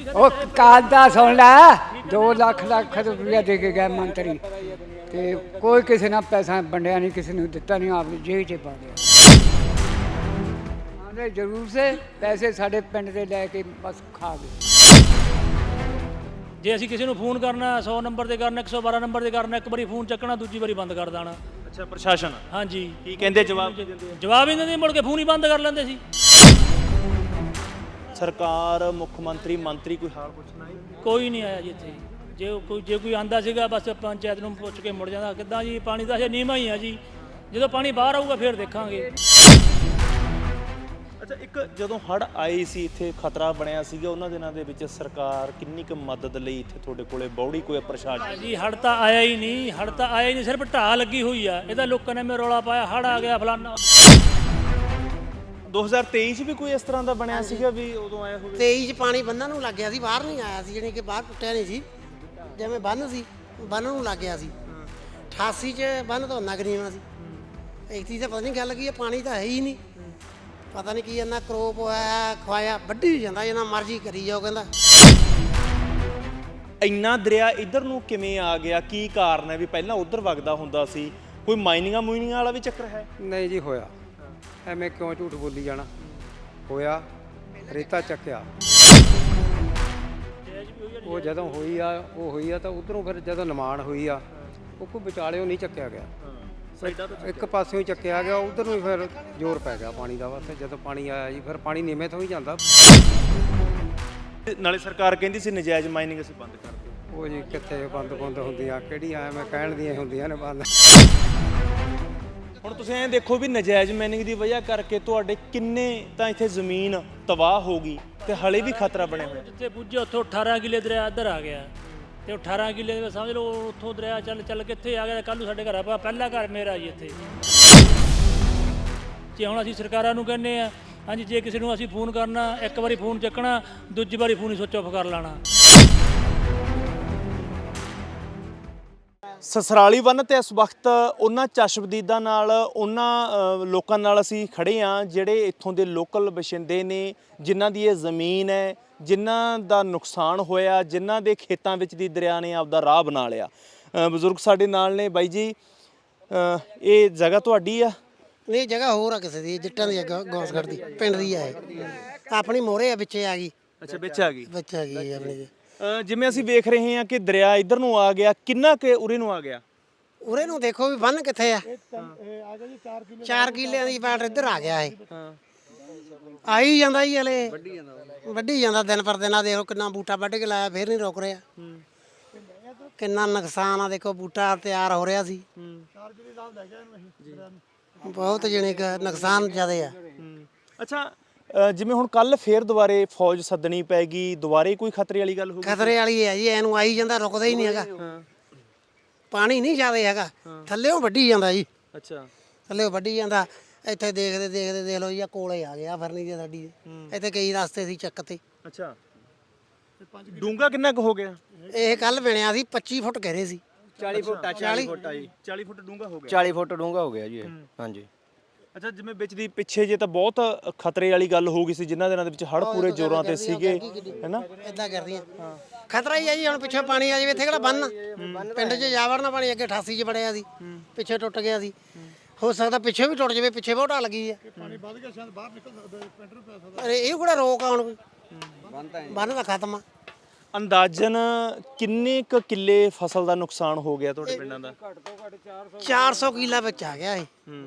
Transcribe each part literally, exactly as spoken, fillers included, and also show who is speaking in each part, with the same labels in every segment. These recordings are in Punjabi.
Speaker 1: ਉਹ ਕਾਲ ਦਾ ਸੁਣ ਲੈ ਦੋ ਲੱਖ ਲੱਖ ਰੁਪਇਆ ਦੇ ਕੇ ਗਏ ਮੰਤਰੀ ਤੇ ਕੋਈ ਕਿਸੇ ਨਾਲ ਪੈਸਾ ਵੰਡਿਆ ਨਹੀਂ, ਕਿਸੇ ਨੂੰ ਦਿੱਤਾ ਨਹੀਂ, ਆਪਣੀ ਜੇਬ 'ਚ ਪਾ ਲਿਆ। ਆਂਦੇ ਜ਼ਰੂਰ ਸੇ ਪੈਸੇ ਸਾਡੇ ਪਿੰਡ ਦੇ ਲੈ ਕੇ ਬਸ ਖਾ ਗਏ।
Speaker 2: ਜੇ ਅਸੀਂ ਕਿਸੇ ਨੂੰ ਫੋਨ ਕਰਨਾ ਸੌ ਨੰਬਰ ਤੇ ਕਰਨਾ, ਇੱਕ ਸੌ ਬਾਰਾਂ ਨੰਬਰ ਤੇ ਕਰਨਾ, ਇੱਕ ਵਾਰੀ ਫੋਨ ਚੱਕਣਾ ਦੂਜੀ ਵਾਰੀ ਬੰਦ ਕਰ ਦੇਣਾ।
Speaker 3: ਅੱਛਾ, ਪ੍ਰਸ਼ਾਸਨ
Speaker 2: ਹਾਂਜੀ
Speaker 3: ਕੀ ਕਹਿੰਦੇ? ਜਵਾਬ ਕੀ ਦਿੰਦੇ?
Speaker 2: ਜਵਾਬ ਹੀ ਨਹੀਂ ਦਿੰਦੇ, ਮੁੜ ਕੇ ਫੋਨ ਹੀ ਬੰਦ ਕਰ ਲੈਂਦੇ ਸੀ।
Speaker 3: ਸਰਕਾਰ, ਮੁੱਖ ਮੰਤਰੀ, ਮੰਤਰੀ ਕੋਈ ਹਾਲ ਪੁੱਛਣਾ ਹੈ?
Speaker 2: ਕੋਈ ਨਹੀਂ ਆਇਆ ਜੀ ਇੱਥੇ। ਜੇ ਉਹ ਕੋਈ ਜੇ ਕੋਈ ਆਂਦਾ ਸੀਗਾ ਬਸ ਪੰਚਾਇਤ ਨੂੰ ਪੁੱਛ ਕੇ ਮੁੜ ਜਾਂਦਾ। ਕਿੱਦਾਂ ਜੀ, ਪਾਣੀ ਦਾ ਅਜੇ ਨੀਵਾਂ ਹੀ ਆ ਜੀ, ਜਦੋਂ ਪਾਣੀ ਬਾਹਰ ਆਊਗਾ ਫਿਰ ਦੇਖਾਂਗੇ।
Speaker 3: ਅੱਛਾ, ਇੱਕ ਜਦੋਂ ਹੜ੍ਹ ਆਏ ਸੀ ਇੱਥੇ ਖਤਰਾ ਬਣਿਆ ਸੀਗਾ, ਉਹਨਾਂ ਦਿਨਾਂ ਦੇ ਵਿੱਚ ਸਰਕਾਰ ਕਿੰਨੀ ਕੁ ਮਦਦ ਲਈ ਇੱਥੇ ਤੁਹਾਡੇ ਕੋਲੇ ਬੌੜੀ ਕੋਈ ਪ੍ਰਸ਼ਾਸਨ?
Speaker 2: ਜੀ ਹੜ੍ਹ ਤਾਂ ਆਇਆ ਹੀ ਨਹੀਂ, ਹੜ੍ਹ ਤਾਂ ਆਇਆ ਹੀ ਨਹੀਂ, ਸਿਰਫ ਢਾਹ ਲੱਗੀ ਹੋਈ ਆ। ਇਹਦਾ ਲੋਕਾਂ ਨੇ ਮੇਰੇ ਰੌਲਾ ਪਾਇਆ ਹੜ੍ਹ ਆ ਗਿਆ ਫਲਾਨਾ।
Speaker 3: ਦੋ ਹਜ਼ਾਰ ਤੇਈ 'ਚ ਵੀ ਕੋਈ ਇਸ ਤਰ੍ਹਾਂ ਦਾ ਬਣਿਆ ਸੀਗਾ ਵੀ ਉਦੋਂ ਆਇਆ ਹੋਵੇ?
Speaker 4: ਤੇਈ 'ਚ ਪਾਣੀ ਬੰਨਾਂ ਨੂੰ ਲੱਗ ਗਿਆ ਸੀ, ਬਾਹਰ ਨਹੀਂ ਆਇਆ ਸੀ, ਜਾਣੀ ਕਿ ਬਾਹਰ ਟੁੱਟਿਆ ਨਹੀਂ ਸੀ। ਜਿਵੇਂ ਬੰਨ ਸੀ ਬੰਨ ਨੂੰ ਲੱਗ ਗਿਆ ਸੀ। ਅਠਾਸੀ 'ਚ ਬੰਨ ਤੋਂ ਨਗਰੀਆਂ ਸੀ। ਇੱਥੇ ਤਾਂ ਪਤਾ ਨਹੀਂ ਗੱਲ ਕੀ ਹੈ, ਪਾਣੀ ਤਾਂ ਹੈ ਹੀ ਨਹੀਂ। ਪਤਾ ਨਹੀਂ ਕੀ ਇੰਨਾ ਕਰੋਪ ਹੋਇਆ ਖਵਾਇਆ ਵੱਢੀ ਜਾਂਦਾ, ਜਿੰਨਾ ਮਰਜ਼ੀ ਕਰੀ ਜਾਓ। ਕਹਿੰਦਾ
Speaker 3: ਇੰਨਾ ਦਰਿਆ ਇੱਧਰ ਨੂੰ ਕਿਵੇਂ ਆ ਗਿਆ? ਕੀ ਕਾਰਨ ਹੈ ਵੀ ਪਹਿਲਾਂ ਉੱਧਰ ਵਗਦਾ ਹੁੰਦਾ ਸੀ? ਕੋਈ ਮਾਈਨਿੰਗਾਂ ਮੂਈਨਿੰਗਾਂ ਵਾਲਾ ਵੀ ਚੱਕਰ ਹੈ?
Speaker 5: ਨਹੀਂ ਜੀ ਹੋਇਆ, ਐਵੇਂ ਕਿਉਂ ਝੂਠ ਬੋਲੀ ਜਾਣਾ। ਹੋਇਆ, ਰੇਤਾ ਚੱਕਿਆ। ਉਹ ਜਦੋਂ ਹੋਈ ਆ ਉਹ ਹੋਈ ਆ ਤਾਂ ਉਧਰੋਂ ਫਿਰ ਜਦੋਂ ਨਿਮਾਣ ਹੋਈ ਆ ਉਹ ਕੋਈ ਵਿਚਾਲਿਓ ਨਹੀਂ ਚੱਕਿਆ ਗਿਆ, ਇੱਕ ਪਾਸਿਓਂ ਹੀ ਚੱਕਿਆ ਗਿਆ। ਉਧਰ ਨੂੰ ਫਿਰ ਜ਼ੋਰ ਪੈ ਗਿਆ ਪਾਣੀ ਦਾ। ਬਸ ਜਦੋਂ ਪਾਣੀ ਆਇਆ ਜੀ ਫਿਰ ਪਾਣੀ ਨੀਵੇਂ ਤੋਂ ਹੀ ਜਾਂਦਾ।
Speaker 3: ਨਾਲੇ ਸਰਕਾਰ ਕਹਿੰਦੀ ਸੀ ਨਜਾਇਜ਼ ਮਾਈਨਿੰਗ ਅਸੀਂ ਬੰਦ ਕਰ ਦਿਓ।
Speaker 5: ਉਹ ਜੀ ਕਿੱਥੇ ਬੰਦ ਬੰਦ ਹੁੰਦੀਆਂ, ਕਿਹੜੀਆਂ ਐਵੇਂ ਕਹਿਣ ਦੀਆਂ ਹੁੰਦੀਆਂ ਨੇ ਬੰਦ।
Speaker 3: ਹੁਣ ਤੁਸੀਂ ਐਂ ਦੇਖੋ ਵੀ ਨਜਾਇਜ਼ ਮਾਈਨਿੰਗ ਦੀ ਵਜ੍ਹਾ ਕਰਕੇ ਤੁਹਾਡੇ ਕਿੰਨੇ ਤਾਂ ਇੱਥੇ ਜ਼ਮੀਨ ਤਬਾਹ ਹੋ ਗਈ ਤੇ ਹਲੇ ਵੀ ਖਤਰਾ ਬਣਿਆ ਹੋਇਆ।
Speaker 2: ਜਿੱਥੇ ਪੁੱਜੇ ਉੱਥੋਂ ਅਠਾਰਾਂ ਕਿੱਲੇ ਦਰਿਆ ਇੱਧਰ ਆ ਗਿਆ ਤੇ ਅਠਾਰਾਂ ਕਿੱਲੇ ਦੇ ਵਿੱਚ ਸਮਝ ਲਓ ਉੱਥੋਂ ਦਰਿਆ ਚੱਲ ਚੱਲ ਕਿੱਥੇ ਆ ਗਿਆ। ਕੱਲ੍ਹ ਨੂੰ ਸਾਡੇ ਘਰ ਆ ਪਹਿਲਾ ਘਰ ਮੇਰਾ ਜੀ ਇੱਥੇ। ਜੇ ਹੁਣ ਅਸੀਂ ਸਰਕਾਰਾਂ ਨੂੰ ਕਹਿੰਦੇ ਆ ਹਾਂਜੀ, ਜੇ ਕਿਸੇ ਨੂੰ ਅਸੀਂ ਫੋਨ ਕਰਨਾ ਇੱਕ ਵਾਰੀ ਫੋਨ ਚੱਕਣਾ ਦੂਜੀ ਵਾਰੀ ਫੋਨ ਹੀ ਸੁੱਚ ਆਫ ਕਰ ਲੈਣਾ।
Speaker 3: ਸਸਰਾਲੀ ਬੰਨ੍ਹ ਤੇ ਇਸ ਵਕਤ ਉਹਨਾਂ ਚਸ਼ਮਦੀਦਾਂ ਨਾਲ, ਉਹਨਾਂ ਲੋਕਾਂ ਨਾਲ ਅਸੀਂ ਖੜੇ ਹਾਂ ਜਿਹੜੇ ਇੱਥੋਂ ਦੇ ਲੋਕਲ ਵਸਿੰਦੇ ਨੇ, ਜਿਨ੍ਹਾਂ ਦੀ ਇਹ ਜ਼ਮੀਨ ਹੈ, ਜਿਨ੍ਹਾਂ ਦਾ ਨੁਕਸਾਨ ਹੋਇਆ, ਜਿਨ੍ਹਾਂ ਦੇ ਖੇਤਾਂ ਵਿੱਚ ਦੀ ਦਰਿਆ ਨੇ ਆਪਦਾ ਰਾਹ ਬਣਾ ਲਿਆ। ਬਜ਼ੁਰਗ ਸਾਡੇ ਨਾਲ ਨੇ। ਬਾਈ ਜੀ, ਇਹ ਜਗ੍ਹਾ ਤੁਹਾਡੀ ਆ?
Speaker 4: ਇਹ ਜਗ੍ਹਾ ਹੋਰ ਆ ਕਿਸੇ ਦੀ, ਜੱਟਾਂ ਦੀ ਜਗ੍ਹਾ, ਗੌਸਗੜ੍ਹ ਦੀ ਪਿੰਡ ਦੀ ਆ। ਆਪਣੀ ਮੋਹਰੇ ਆ, ਵਿੱਚੇ ਆ ਗਈ।
Speaker 3: ਅੱਛਾ, ਵਿੱਚ ਆ ਗਈ।
Speaker 4: ਵਿੱਚ ਆ ਗਈ ਆਪਣੀ।
Speaker 3: ਜਿਵੇਂ ਅਸੀਂ ਵੇਖ ਰਹੇ ਹਾਂ ਕਿ ਦਰਿਆ ਇੱਧਰ ਨੂੰ ਆ ਗਿਆ, ਕਿੰਨਾ ਕੁ ਉਰੇ ਨੂੰ ਆ ਗਿਆ?
Speaker 4: ਉਰੇ ਨੂੰ ਦੇਖੋ ਵੀ ਬੰਨ ਕਿੱਥੇ ਆ। ਚਾਰ ਕਿੱਲਿਆਂ ਦੀ ਬਾਟ ਇੱਧਰ ਆ ਗਿਆ। ਇਹ ਆਈ ਜਾਂਦਾ ਜੀ, ਹਲੇ ਵੱਢੀ ਜਾਂਦਾ ਦਿਨ ਪਰ ਦਿਨ। ਆ ਦੇਖੋ ਕਿੰਨਾ ਬੂਟਾ ਵੱਢ ਕੇ ਲਾਇਆ, ਫੇਰ ਨਹੀਂ ਰੁਕ ਰਿਹਾ। ਕਿੰਨਾ ਨੁਕਸਾਨ ਆ, ਦੇਖੋ ਬੂਟਾ ਤਿਆਰ ਹੋ ਰਿਹਾ ਸੀ। ਬਹੁਤ ਜਣੇ ਕ ਨੁਕਸਾਨ ਜ਼ਿਆਦਾ ਆ।
Speaker 3: ਅੱਛਾ, ਜਿਵੇਂ ਹੁਣ ਕੱਲ ਫੇਰ ਦੁਬਾਰੇ ਫੌਜ ਸੱਦਣੀ ਪੈ ਗਈ, ਦੁਬਾਰੇ ਕੋਈ ਖਤਰੇ ਵਾਲੀ ਗੱਲ ਹੋ ਗਈ?
Speaker 4: ਖਤਰੇ ਵਾਲੀ ਹੈ ਜੀ, ਇਹਨੂੰ ਆਈ ਜਾਂਦਾ, ਰੁਕਦਾ ਹੀ ਨਹੀਂ ਹੈਗਾ। ਪਾਣੀ ਨਹੀਂ ਜ਼ਿਆਦਾ ਹੈਗਾ, ਥੱਲੇੋਂ ਵੱਢੀ ਜਾਂਦਾ ਜੀ।
Speaker 3: ਅੱਛਾ,
Speaker 4: ਥੱਲੇੋਂ ਵੱਢੀ ਜਾਂਦਾ। ਇੱਥੇ ਦੇਖਦੇ ਦੇਖਦੇ ਦੇਖ ਲਓ ਜੀ, ਆ ਕੋਲੇ ਆ ਗਿਆ ਫਰਨੀ ਦੀ ਸਾਡੀ ਦੇ। ਇੱਥੇ ਕਈ ਰਸਤੇ ਸੀ ਚੱਕ ਤੇ।
Speaker 3: ਅੱਛਾ, ਡੂੰਘਾ ਕਿੰਨਾ ਕੁ ਹੋ ਗਿਆ?
Speaker 4: ਇਹ ਕੱਲ ਬਣਿਆ ਸੀ ਪੱਚੀ ਫੁੱਟ ਕਹਿ ਰਹੇ ਸੀ।
Speaker 5: ਚਾਲੀ ਫੁੱਟ ਆ, ਚਾਲੀ ਫੁੱਟ ਆ ਜੀ।
Speaker 3: ਚਾਲੀ ਫੁੱਟ ਡੂੰਘਾ ਹੋ ਗਿਆ।
Speaker 5: ਚਾਲੀ ਫੁੱਟ ਡੂੰਘਾ ਹੋ ਗਿਆ ਜੀ ਇਹ। ਹਾਂਜੀ।
Speaker 3: ਅੱਛਾ, ਜਿਵੇਂ ਵਿੱਚ ਦੀ ਪਿੱਛੇ ਜੇ ਤਾਂ ਬਹੁਤ ਖਤਰੇ ਵਾਲੀ ਗੱਲ ਹੋ ਗਈ ਸੀ, ਜਿਨ੍ਹਾਂ ਦਿਨਾਂ ਦੇ ਵਿੱਚ ਹੜ੍ਹ ਪੂਰੇ ਜ਼ੋਰਾਂ ਤੇ ਸੀਗੇ, ਹੈਨਾ?
Speaker 4: ਇਦਾਂ ਕਰਦੀਆਂ ਖਤਰਾ ਹੀ ਆ ਜੀ। ਹੁਣ ਪਿੱਛੇ ਪਾਣੀ ਆ ਜਾਵੇ, ਇੱਥੇ ਕਿਹੜਾ ਬੰਨ ਪਿੰਡ 'ਚ ਜਾ ਵੜਨਾ ਪਾਣੀ। ਅੱਗੇ ਅਠਾਸੀ 'ਚ ਵੜਿਆ ਸੀ, ਪਿੱਛੇ ਟੁੱਟ ਗਿਆ ਸੀ। ਹੋ ਸਕਦਾ ਪਿੱਛੇ ਵੀ ਟੁੱਟ ਜਾਵੇ, ਪਿੱਛੇ ਬਹੁਤ ਢਾਹ ਲੱਗੀ ਆ। ਪਾਣੀ ਵੱਧ ਗਿਆ, ਸ਼ਾਇਦ ਬਾਹਰ ਨਿਕਲ ਸਕਦਾ, ਪਿੰਡ ਨੂੰ ਪੈ ਸਕਦਾ। ਇਹ ਕਿਹੜਾ ਰੋਕ ਆ ਹੁਣ ਕੋਈ? ਬੰਨ ਤਾਂ ਖਤਮ ਆ।
Speaker 3: ਅੰਦਾਜ਼ਨ ਕਿੰਨੇ ਕੁ ਕਿੱਲੇ ਫਸਲ ਦਾ ਨੁਕਸਾਨ ਹੋ ਗਿਆ ਤੁਹਾਡੇ ਪਿੰਡਾਂ ਦਾ?
Speaker 4: ਚਾਰ ਸੌ ਕਿੱਲਾ ਵਿੱਚ ਆ ਗਿਆ ਇਹ।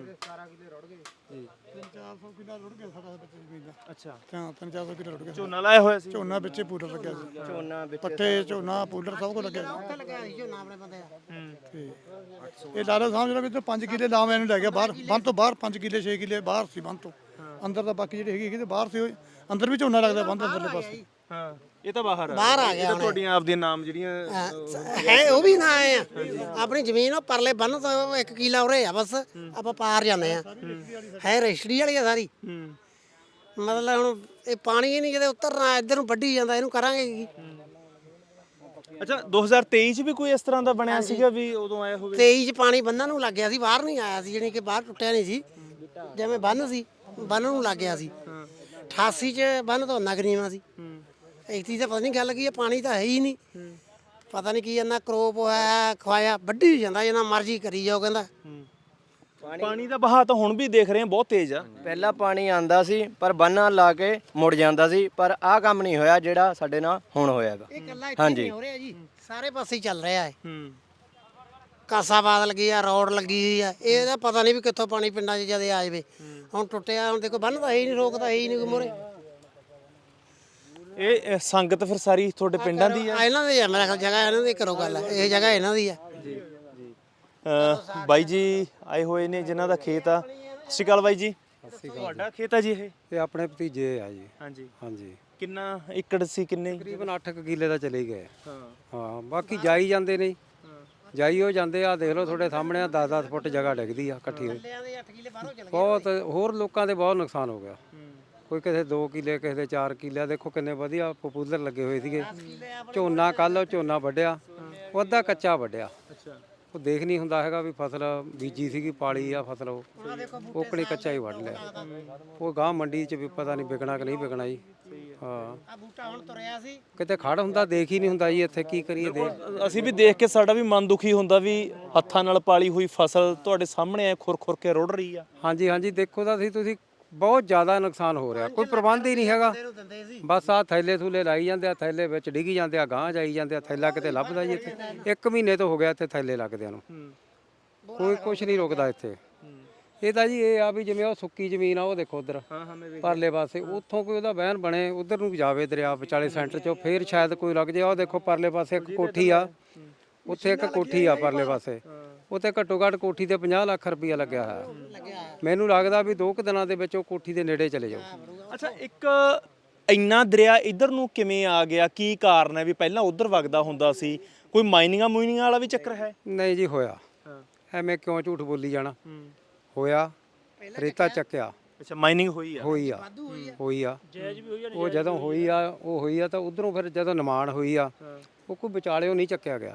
Speaker 3: ਅੱਛਾ,
Speaker 6: ਹਾਂ, ਤਿੰਨ ਚਾਰ ਸੌ ਕਿੱਲਾ ਰੁੜ ਗਿਆ।
Speaker 3: ਝੋਨਾ ਲਾਇਆ ਹੋਇਆ ਸੀ?
Speaker 6: ਝੋਨਾ ਵਿੱਚੇ ਪੂਰਾ ਲੱਗਿਆ ਸੀ। ਝੋਨਾ ਪੱਠੇ, ਝੋਨਾ, ਪੂਲਰ ਸਭ ਕੁਝ ਲੱਗਿਆ ਸੀ।
Speaker 4: ਲੱਗਿਆ ਸੀ ਝੋਨਾ ਆਪਣੇ ਬੰਦੇ ਦਾ।
Speaker 6: ਇਹ ਲਾ ਲਓ ਸਮਝ ਲਓ ਵੀ ਪੰਜ ਕਿੱਲੇ ਲਾਵਾਂ ਇਹਨੂੰ ਲੈ ਗਿਆ ਬਾਹਰ। ਬੰਨ ਤੋਂ ਬਾਹਰ ਪੰਜ ਕਿੱਲੇ ਛੇ ਕਿੱਲੇ ਬਾਹਰ ਸੀ ਬੰਨ ਤੋਂ। ਅੰਦਰ ਤਾਂ ਬਾਕੀ ਜਿਹੜੀ ਹੈਗੀ ਤੇ ਬਾਹਰ ਸੀ। ਹੋਏ ਅੰਦਰ ਵੀ ਝੋਨਾ ਲੱਗਦਾ ਬੰਨ ਅੰਦਰਲੇ ਪਾਸੇ।
Speaker 3: ਹਾਂ, ਇਹ ਤਾਂ ਬਾਹਰ ਆ।
Speaker 4: ਬਾਹਰ ਆ ਗਿਆ ਹੁਣ।
Speaker 3: ਤੁਹਾਡੀਆਂ ਆਪਦੀਆਂ ਨਾਮ ਜਿਹੜੀਆਂ
Speaker 4: ਹੈ ਉਹ ਵੀ ਨਾ ਆਏ ਆ। ਆਪਣੀ ਜ਼ਮੀਨ ਉਹ ਪਰਲੇ ਬੰਨ ਤੋਂ ਇੱਕ ਕਿੱਲਾ ਉਰੇ ਆ, ਬਸ ਆਪਾਂ ਪਾਰ ਜਾਂਦੇ ਆ। ਹੈ ਰਜਿਸਟਰੀ ਵਾਲੀ ਆ ਸਾਰੀ। ਮਤਲਬ ਹੁਣ ਇਹ ਪਾਣੀ ਹੀ ਨਹੀਂ ਕਿਤੇ ਉਤਰਨਾ, ਇੱਧਰ ਨੂੰ ਵੱਢੀ ਜਾਂਦਾ, ਇਹਨੂੰ ਕਰਾਂਗੇ ਕੀ?
Speaker 3: ਅੱਛਾ, ਦੋ ਹਜ਼ਾਰ ਤੇਈ 'ਚ ਵੀ ਕੋਈ ਇਸ ਤਰ੍ਹਾਂ ਦਾ ਬਣਿਆ ਸੀਗਾ ਵੀ ਉਦੋਂ ਆਇਆ ਹੋਵੇ?
Speaker 4: ਤੇਈ 'ਚ ਪਾਣੀ ਬੰਨਾਂ ਨੂੰ ਲੱਗ ਗਿਆ ਸੀ, ਬਾਹਰ ਨਹੀਂ ਆਇਆ ਸੀ, ਜਾਣੀ ਕਿ ਬਾਹਰ ਟੁੱਟਿਆ ਨਹੀਂ ਸੀ। ਜਿਵੇਂ ਬੰਨ ਸੀ ਬੰਨ ਨੂੰ ਲੱਗ ਗਿਆ ਸੀ। ਅਠਾਸੀ 'ਚ ਬੰਨ ਤੋਂ ਨਗਰੀਆਂ ਸੀ। ਇਕਤੀ ਤਾਂ ਪਤਾ ਨਹੀਂ ਗੱਲ ਕੀ ਹੈ, ਪਾਣੀ ਤਾਂ ਹੈ ਹੀ ਨਹੀਂ। ਪਤਾ ਨਹੀਂ ਕੀ ਇੰਨਾ ਕਰੋਪ ਹੋਇਆ ਖਵਾਇਆ ਵੱਢੀ ਜਾਂਦਾ ਜਿੰਨਾ ਮਰਜ਼ੀ ਕਰੀ ਜਾਓ ਕਹਿੰਦਾ।
Speaker 3: ਪਾਣੀ ਦਾ ਬਹਾਅ ਤਾਂ ਹੁਣ ਵੀ ਦੇਖ ਰਹੇ ਹਾਂ ਬਹੁਤ ਤੇਜ਼ ਆ।
Speaker 7: ਪਹਿਲਾਂ ਪਾਣੀ ਆਂਦਾ ਸੀ ਪਰ ਬੰਨਾਂ ਲਾ ਕੇ ਮੁੜ ਜਾਂਦਾ ਸੀ, ਪਰ ਆਹ ਕੰਮ ਨਹੀਂ ਹੋਇਆ ਜਿਹੜਾ ਸਾਡੇ ਨਾਲ ਹੁਣ ਹੋਇਆਗਾ।
Speaker 4: ਇਹ ਇਕੱਲਾ ਇੱਥੇ ਨਹੀਂ ਹੋ ਰਿਹਾ ਜੀ, ਸਾਰੇ ਪਾਸੇ ਹੀ ਚੱਲ ਰਿਹਾ ਹੈ।
Speaker 3: ਹੂੰ
Speaker 4: ਕਾਸਾਬਾਦ ਲੱਗੀ ਆ, ਰੋਡ ਲੱਗੀ ਹੋਈ ਆ, ਇਹਦਾ ਪਤਾ ਨਹੀਂ ਵੀ ਕਿੱਥੋਂ ਪਾਣੀ ਪਿੰਡਾਂ 'ਚ ਜਦੇ ਆ ਜਾਵੇ। ਹੁਣ ਟੁੱਟਿਆ, ਹੁਣ ਦੇਖੋ ਬੰਨ੍ਹ ਤਾਂ ਹੈ ਹੀ ਨਹੀਂ, ਰੋਕਦਾ ਹੈ ਹੀ ਨਹੀਂ ਕੋਈ ਮੋਰੇ।
Speaker 3: ਇਹ ਇਹ ਸੰਗਤ ਫਿਰ ਸਾਰੀ ਤੁਹਾਡੇ ਪਿੰਡਾਂ ਦੀ ਆ?
Speaker 4: ਇਹਨਾਂ ਦੀ ਆ ਮੇਰਾ ਖਿਆਲ, ਜਗ੍ਹਾ ਇਹਨਾਂ ਦੀ ਕਰੋ ਗੱਲ, ਇਹ ਜਗ੍ਹਾ ਇਹਨਾਂ ਦੀ ਆ।
Speaker 3: ਅਹ ਬਾਈ ਜੀ ਆਏ ਹੋਏ ਨੇ ਜਿਨ੍ਹਾਂ ਦਾ ਖੇਤ ਆ। ਸਤਿ ਸ਼੍ਰੀ ਅਕਾਲ ਬਾਈ ਜੀ। ਤੁਹਾਡਾ ਖੇਤ ਆ ਜੀ ਇਹ?
Speaker 5: ਇਹ ਆਪਣੇ ਭਤੀਜੇ ਆ ਜੀ।
Speaker 3: ਹਾਂਜੀ
Speaker 5: ਹਾਂਜੀ
Speaker 3: ਕਿੰਨਾ ਏਕੜ ਸੀ, ਕਿੰਨੇ?
Speaker 5: ਤਕਰੀਬਨ ਅੱਠ ਕੁ ਕਿੱਲੇ ਦਾ ਚਲੇ ਗਏ।
Speaker 3: ਹਾਂ
Speaker 5: ਹਾਂ ਬਾਕੀ ਜਾਈ ਜਾਂਦੇ ਨੇ, ਜਾਈ ਹੋ ਜਾਂਦੇ ਆ। ਦੇਖ ਲਓ ਤੁਹਾਡੇ ਸਾਹਮਣੇ ਆ, ਦਸ ਦਸ ਫੁੱਟ ਜਗ੍ਹਾ ਡਿੱਗਦੀ ਆ ਇਕੱਠੀ ਹੋਈ। ਬਹੁਤ ਹੋਰ ਲੋਕਾਂ ਦੇ ਬਹੁਤ ਨੁਕਸਾਨ ਹੋ ਗਿਆ। ਕੋਈ ਕਿਸੇ ਦੋ ਕਿੱਲੇ, ਕਿਸੇ ਦੇ ਚਾਰ ਕਿੱਲੇ। ਦੇਖੋ ਕਿੰਨੇ ਵਧੀਆ ਪਪੂਲਰ ਲੱਗੇ ਹੋਏ ਸੀਗੇ। ਝੋਨਾ ਕੱਲ ਝੋਨਾ ਵੱਢਿਆ, ਉਹ ਅੱਧਾ ਕੱਚਾ ਵੱਢਿਆ। ਉਹ ਦੇਖ ਨਹੀਂ ਹੁੰਦਾ ਹੈਗਾ ਵੀ ਫਸਲ ਬੀਜੀ ਸੀਗੀ, ਪਾਲੀ ਆ ਫਸਲ, ਉਹ ਕੋਕਣੀ ਕੱਚਾ ਹੀ ਵੱਢ ਲਿਆ। ਉਹ ਗਾਂ ਮੰਡੀ 'ਚ ਵੀ ਪਤਾ ਨਹੀਂ ਵਿਕਣਾ ਕਿ ਨਹੀਂ ਵਿਕਣਾ ਜੀ। ਹਾਂ
Speaker 4: ਆ ਬੂਟਾ ਹੁਣ ਤੁਰਿਆ ਸੀ,
Speaker 5: ਕਿਤੇ ਖੜ ਹੁੰਦਾ ਦੇਖ ਹੀ ਨਹੀਂ ਹੁੰਦਾ ਜੀ। ਇੱਥੇ ਕੀ ਕਰੀਏ ਦੇ
Speaker 3: ਅਸੀਂ ਵੀ ਦੇਖ ਕੇ ਸਾਡਾ ਵੀ ਮਨ ਦੁਖੀ ਹੁੰਦਾ ਵੀ ਹੱਥਾਂ ਨਾਲ ਪਾਲੀ ਹੋਈ ਫਸਲ ਤੁਹਾਡੇ ਸਾਹਮਣੇ ਐ ਖੁਰ ਖੁਰ ਕੇ ਰੁੜ ਰਹੀ ਆ।
Speaker 5: ਹਾਂਜੀ ਹਾਂਜੀ ਦੇਖੋ ਤਾਂ ਸੀ ਤੁਸੀਂ, ਬਹੁਤ ਜ਼ਿਆਦਾ ਨੁਕਸਾਨ ਹੋ ਰਿਹਾ। ਕੋਈ ਪ੍ਰਬੰਧ ਹੀ ਨਹੀਂ ਹੈਗਾ। ਬਸ ਆ ਥੈਲੇ ਥੂਲੇ ਲਾਈ ਜਾਂਦੇ ਆ, ਥੈਲੇ ਵਿੱਚ ਡਿੱਗੀ ਜਾਂਦੇ ਆ, ਗਾਂਹ ਜਾਈ ਜਾਂਦੇ ਆ। ਥੈਲਾ ਕਿਤੇ ਲੱਭਦਾ ਜੀ ਇੱਥੇ? ਇੱਕ ਮਹੀਨੇ ਤੋਂ ਹੋ ਗਿਆ ਇੱਥੇ ਥੈਲੇ ਲੱਗਦਿਆਂ ਨੂੰ। ਕੋਈ ਕੁਝ ਨਹੀਂ ਰੁਕਦਾ ਇੱਥੇ। ਇਹ ਤਾਂ ਜੀ ਇਹ ਆ ਵੀ ਜਿਵੇਂ ਉਹ ਸੁੱਕੀ ਜ਼ਮੀਨ ਆ, ਉਹ ਦੇਖੋ ਉਧਰ ਪਰਲੇ ਪਾਸੇ, ਉੱਥੋਂ ਕੋਈ ਉਹਦਾ ਵਹਿਣ ਬਣੇ, ਉਧਰ ਨੂੰ ਜਾਵੇ ਦਰਿਆ ਵਿਚਾਲੇ ਸੈਂਟਰ 'ਚੋਂ, ਫੇਰ ਸ਼ਾਇਦ ਕੋਈ ਲੱਗ ਜਾਏ। ਉਹ ਦੇਖੋ ਪਰਲੇ ਪਾਸੇ ਇੱਕ ਕੋਠੀ ਆ, ਉੱਥੇ ਇੱਕ ਕੋਠੀ ਆ ਪਰਲੇ ਪਾਸੇ, ਉੱਥੇ ਘੱਟੋ ਘੱਟ ਕੋਠੀ ਤੇ ਪੰਜਾਹ ਲੱਖ ਰੁਪਈਆ ਲੱਗਿਆ ਹੋਇਆ। ਮੈਨੂੰ ਲੱਗਦਾ ਵੀ ਦੋ ਕੁ ਦਿਨਾਂ ਦੇ ਵਿੱਚ ਉਹ ਕੋਠੀ ਦੇ ਨੇੜੇ ਚਲੇ ਜਾਓ।
Speaker 3: ਅੱਛਾ ਇੱਕ ਇੰਨਾ ਦਰਿਆ ਇੱਧਰ ਨੂੰ ਕਿਵੇਂ ਆ ਗਿਆ? ਕੀ ਕਾਰਨ ਹੈ ਵੀ ਪਹਿਲਾਂ ਉੱਧਰ ਵਗਦਾ ਹੁੰਦਾ ਸੀ? ਕੋਈ ਮਾਈਨਿੰਗਾਂ ਮੂਈਨਿੰਗਾਂ ਵਾਲਾ ਵੀ ਚੱਕਰ ਹੈ?
Speaker 5: ਨਹੀਂ ਜੀ ਹੋਇਆ, ਐਵੇਂ ਕਿਉਂ ਝੂਠ ਬੋਲੀ ਜਾਣਾ। ਹੋਇਆ, ਰੇਤਾ ਚੱਕਿਆ।
Speaker 3: ਅੱਛਾ ਮਾਈਨਿੰਗ ਹੋਈ ਆ?
Speaker 5: ਹੋਈ ਆ, ਹੋਈ ਆ। ਉਹ ਜਦੋਂ ਹੋਈ ਆ, ਉਹ ਹੋਈ ਆ ਤਾਂ ਉਧਰੋਂ ਫਿਰ ਜਦੋਂ ਨਿਮਾਣ ਹੋਈ ਆ, ਉਹ ਕੋਈ ਵਿਚਾਲਿਓ ਨਹੀਂ ਚੱਕਿਆ ਗਿਆ।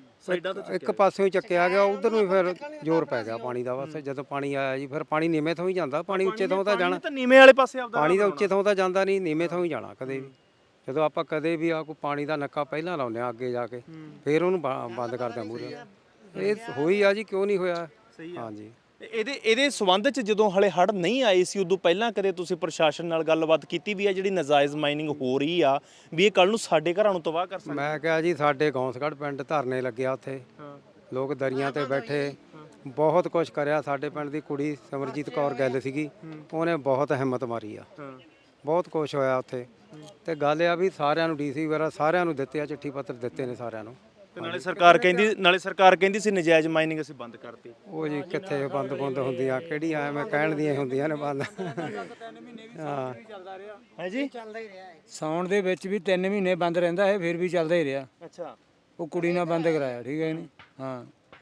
Speaker 5: ਇੱਕ ਪਾਸਿਓਂ ਹੀ ਚੱਕਿਆ ਗਿਆ, ਉਧਰ ਨੂੰ ਫਿਰ ਜ਼ੋਰ ਪੈ ਗਿਆ ਪਾਣੀ ਦਾ। ਬਸ ਜਦੋਂ ਪਾਣੀ ਆਇਆ ਜੀ, ਫਿਰ ਪਾਣੀ ਨੀਵੇਂ ਥਾਂ ਹੀ ਜਾਂਦਾ। ਪਾਣੀ ਉੱਚੇ ਥਾਂ ਤਾਂ ਜਾਣਾ,
Speaker 3: ਤਾਂ ਨੀਵੇਂ ਵਾਲੇ ਪਾਸੇ ਆਪਦਾ
Speaker 5: ਪਾਣੀ ਦਾ ਉੱਚੇ ਥਾਂ ਤਾਂ ਜਾਂਦਾ ਨਹੀਂ, ਨੀਵੇਂ ਥਾਂ ਹੀ ਜਾਣਾ ਕਦੇ ਵੀ। ਜਦੋਂ ਆਪਾਂ ਕਦੇ ਵੀ ਆ ਕੋਈ ਪਾਣੀ ਦਾ ਨੱਕਾ ਪਹਿਲਾਂ ਲਾਉਂਦੇ ਆ ਅੱਗੇ ਜਾ ਕੇ, ਫਿਰ ਉਹਨੂੰ ਬ- ਬੰਦ ਕਰਦੇ ਆ ਮੂਹਰੇ। ਇਹ ਹੋਈ ਆ ਜੀ, ਕਿਉਂ ਨਹੀਂ ਹੋਇਆ? ਹਾਂਜੀ
Speaker 3: ਇਹਦੇ ਇਹਦੇ ਸਬੰਧ ਚ ਜਦੋਂ ਹਲੇ ਹੜ੍ਹ ਨਹੀਂ ਆਏ ਸੀ ਉਦੋਂ ਪਹਿਲਾਂ ਕਦੇ ਤੁਸੀਂ ਪ੍ਰਸ਼ਾਸਨ ਨਾਲ ਗੱਲਬਾਤ ਕੀਤੀ ਵੀ ਆ ਜਿਹੜੀ ਨਜਾਇਜ਼ ਮਾਈਨਿੰਗ ਹੋ ਰਹੀ ਆ ਵੀ ਇਹ ਕੱਲ ਨੂੰ ਸਾਡੇ ਘਰਾਂ ਨੂੰ ਤਬਾਹ ਕਰ ਸਕਦੀ?
Speaker 5: ਮੈਂ ਕਿਹਾ ਜੀ ਸਾਡੇ ਗੌਂਸਗੜ੍ਹ ਪਿੰਡ ਧਰਨੇ ਲੱਗਿਆ, ਉੱਥੇ ਲੋਕ ਦਰੀਆਂ ਤੇ ਬੈਠੇ, ਬਹੁਤ ਕੁਝ ਕਰਿਆ। ਸਾਡੇ ਪਿੰਡ ਦੀ ਕੁੜੀ ਸਿਮਰਜੀਤ ਕੌਰ ਗੱਲ ਸੀਗੀ, ਉਹਨੇ ਬਹੁਤ ਹਿੰਮਤ ਮਾਰੀ ਆ, ਬਹੁਤ ਕੁਝ ਹੋਇਆ ਉੱਥੇ। ਤੇ ਗੱਲ ਆ ਵੀ ਸਾਰਿਆਂ ਨੂੰ ਡੀਸੀ ਵਗੈਰਾ ਸਾਰਿਆਂ ਨੂੰ ਦਿੱਤੇ ਆ, ਚਿੱਠੀ ਪੱਤਰ ਦਿੱਤੇ ਨੇ ਸਾਰਿਆਂ ਨੂੰ।
Speaker 3: ਤੇ ਨਾਲੇ ਸਰਕਾਰ ਕਹਿੰਦੀ ਨਾਲੇ ਸਰਕਾਰ ਕਹਿੰਦੀ ਸੀ ਨਜਾਇਜ਼ ਮਾਈਨਿੰਗ ਅਸੀਂ ਬੰਦ ਕਰਤੀ।
Speaker 5: ਉਹ ਜੀ ਕਿੱਥੇ ਬੰਦ ਬੰਦ ਹੁੰਦੀਆਂ, ਕਿਹੜੀਆਂ ਐਵੇਂ ਕਹਿਣ ਦੀਆਂ ਹੁੰਦੀਆਂ ਨੇ ਬੰਦ। ਹਾਂ
Speaker 3: ਹੈ ਜੀ?
Speaker 8: ਸਾਉਣ ਦੇ ਵਿੱਚ ਵੀ ਤਿੰਨ ਮਹੀਨੇ ਬੰਦ ਰਹਿੰਦਾ ਹੈ, ਫਿਰ ਵੀ ਚੱਲਦਾ ਹੀ ਰਿਹਾ।
Speaker 3: ਅੱਛਾ
Speaker 8: ਉਹ ਕੁੜੀ ਨਾਲ ਬੰਦ ਕਰਾਇਆ, ਠੀਕ ਹੈ ਨਹੀਂ? ਹਾਂ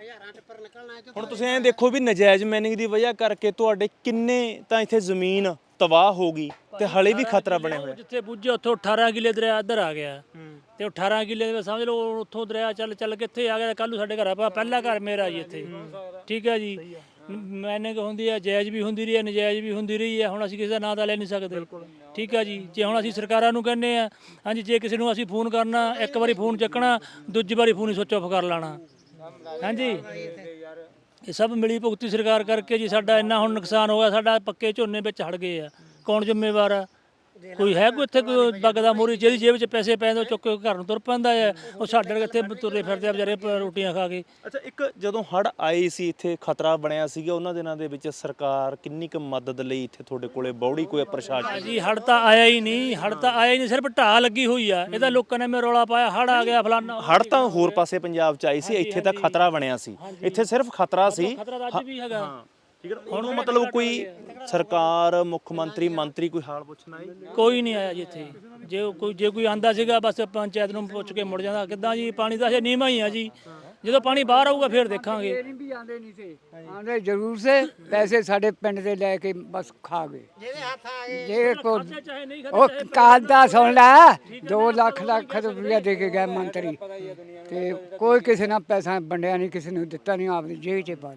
Speaker 3: ਹੁਣ ਤੁਸੀਂ ਐਂ ਦੇਖੋ ਵੀ ਨਜਾਇਜ਼ ਮਾਈਨਿੰਗ ਦੀ ਵਜ੍ਹਾ ਕਰਕੇ ਤੁਹਾਡੇ ਕਿੰਨੇ ਤਾਂ ਇੱਥੇ ਜ਼ਮੀਨ ਤਬਾਹ ਹੋ ਗਈ ਤੇ ਹਲੇ ਵੀ ਖਤਰਾ ਬਣਿਆ ਹੋਇਆ।
Speaker 2: ਜਿੱਥੇ ਪੁੱਜੇ ਉੱਥੋਂ ਅਠਾਰਾਂ ਕਿੱਲੇ ਦਰਿਆ ਇੱਧਰ ਆ ਗਿਆ, ਤੇ ਉਹ ਅਠਾਰਾਂ ਕਿੱਲੇ ਦੇ ਵਿੱਚ ਸਮਝ ਲਓ ਉੱਥੋਂ ਦਰਿਆ ਚੱਲ ਚੱਲ ਕਿੱਥੇ ਆ ਗਿਆ। ਕੱਲ ਨੂੰ ਸਾਡੇ ਘਰ ਆ, ਪਹਿਲਾ ਘਰ ਮੇਰਾ ਜੀ ਇੱਥੇ, ਠੀਕ ਹੈ ਜੀ। ਮੈਨੇ ਕਿ ਹੁੰਦੀ ਹੈ, ਜਾਇਜ਼ ਵੀ ਹੁੰਦੀ ਰਹੀ ਹੈ, ਨਜਾਇਜ਼ ਵੀ ਹੁੰਦੀ ਰਹੀ ਹੈ। ਹੁਣ ਅਸੀਂ ਕਿਸੇ ਦਾ ਨਾਂ ਤਾਂ ਲੈ ਨਹੀਂ ਸਕਦੇ, ਠੀਕ ਹੈ ਜੀ। ਜੇ ਹੁਣ ਅਸੀਂ ਸਰਕਾਰਾਂ ਨੂੰ ਕਹਿੰਦੇ ਆ, ਹਾਂਜੀ, ਜੇ ਕਿਸੇ ਨੂੰ ਅਸੀਂ ਫੋਨ ਕਰਨਾ, ਇੱਕ ਵਾਰੀ ਫੋਨ ਚੱਕਣਾ, ਦੂਜੀ ਵਾਰੀ ਫੋਨ ਹੀ ਸੁੱਚ ਆਫ ਕਰ ਲੈਣਾ। ਹਾਂਜੀ, ਇਹ ਸਭ ਮਿਲੀ ਭੁਗਤੀ ਸਰਕਾਰ ਕਰਕੇ ਜੀ ਸਾਡਾ ਇੰਨਾ ਹੁਣ ਨੁਕਸਾਨ ਹੋਇਆ। ਸਾਡਾ ਪੱਕੇ ਝੋਨੇ ਵਿੱਚ ਹੜ ਗਏ ਆ, ਕੌਣ ਜ਼ਿੰਮੇਵਾਰ ਆ? ਕੋਈ ਹੈ ਕੋਈ ਇੱਥੇ ਕੋਈ ਬਗਦਾ ਮੋਰੀ ਜਿਹਦੀ ਜੇਬ 'ਚ ਪੈਸੇ ਪੈਂਦੇ ਚੁੱਕ ਕੇ ਘਰ ਨੂੰ ਤੁਰ ਪੈਂਦਾ ਹੈ। ਉਹ ਸਾਡੇ ਇੱਥੇ ਤੁਰੇ ਫਿਰਦੇ ਆ ਵਿਚਾਰੇ ਰੋਟੀਆਂ ਖਾ ਕੇ।
Speaker 3: ਅੱਛਾ ਇੱਕ ਜਦੋਂ ਹੜ੍ਹ ਆਏ ਸੀ ਇੱਥੇ ਖਤਰਾ ਬਣਿਆ ਸੀਗਾ, ਉਹਨਾਂ ਦਿਨਾਂ ਦੇ ਵਿੱਚ ਸਰਕਾਰ ਕਿੰਨੀ ਕੁ ਮਦਦ ਲਈ ਇੱਥੇ ਤੁਹਾਡੇ ਕੋਲੇ ਬੌੜੀ ਕੋਈ ਪ੍ਰਸ਼ਾਸਨ?
Speaker 2: ਜੀ ਹੜ ਤਾਂ ਆਇਆ ਹੀ ਨਹੀਂ, ਹੜ ਤਾਂ ਆਇਆ ਹੀ ਨਹੀਂ, ਸਿਰਫ ਢਾਹ ਲੱਗੀ ਹੋਈ ਆ। ਇਹਦਾ ਲੋਕਾਂ ਨੇ ਮੇ ਰੌਲਾ ਪਾਇਆ, ਹੜ ਆ ਗਿਆ ਫਲਾਨਾ।
Speaker 3: ਹੜ੍ਹ ਤਾਂ ਹੋਰ ਪਾਸੇ ਪੰਜਾਬ 'ਚ ਆਈ ਸੀ, ਇੱਥੇ ਤਾਂ ਖਤਰਾ ਬਣਿਆ ਸੀ। ਇੱਥੇ ਸਿਰਫ ਖਤਰਾ ਸੀ।
Speaker 2: ਖਤਰਾ ਤਾਂ ਅੱਜ ਵੀ ਹੈਗਾ।
Speaker 3: ਹੁਣ ਮਤਲਬ ਕੋਈ ਸਰਕਾਰ, ਮੁੱਖ ਮੰਤਰੀ, ਮੰਤਰੀ ਕੋਈ ਹਾਲ ਪੁੱਛਣ ਆਏ?
Speaker 2: ਕੋਈ ਨਹੀਂ ਆਇਆ ਜੀ ਇੱਥੇ। ਜੇ ਕੋਈ ਜੇ ਕੋਈ ਆਂਦਾ ਸੀਗਾ ਬਸ ਪੰਚਾਇਤ ਨੂੰ ਪੁੱਛ ਕੇ ਮੁੜ ਜਾਂਦਾ। ਕਿੱਦਾਂ ਜੀ, ਪਾਣੀ ਦਾ ਅਜੇ ਨੀਵਾਂ ਹੀ ਆ ਜੀ। ਜਦੋਂ ਪਾਣੀ ਬਾਹਰ ਆਊਗਾ ਫਿਰ ਦੇਖਾਂਗੇ।
Speaker 1: ਵੀ ਆਂਦੇ ਨਹੀਂ ਸੀ, ਆਂਦੇ ਜ਼ਰੂਰ ਸੇ ਪੈਸੇ ਸਾਡੇ ਪਿੰਡ ਦੇ ਲੈ ਕੇ ਬਸ ਖਾ ਗਏ।
Speaker 4: ਜਿਹਦੇ ਹੱਥ ਆ ਗਏ
Speaker 1: ਜੇ ਕੋ
Speaker 2: ਚਾਹੇ ਨਹੀਂ
Speaker 1: ਉਹ ਕਾਲ ਦਾ ਸੁਣ ਲੈ, ਦੋ ਲੱਖ ਲੱਖ ਰੁਪਇਆ ਦੇ ਕੇ ਗਏ ਮੰਤਰੀ, ਤੇ ਕੋਈ ਕਿਸੇ ਨਾਲ ਪੈਸਾ ਵੰਡਿਆ ਨਹੀਂ, ਕਿਸੇ ਨੂੰ ਦਿੱਤਾ ਨਹੀਂ, ਆਪਣੀ ਜੇਬ 'ਚ ਪਾ ਲਿਆ।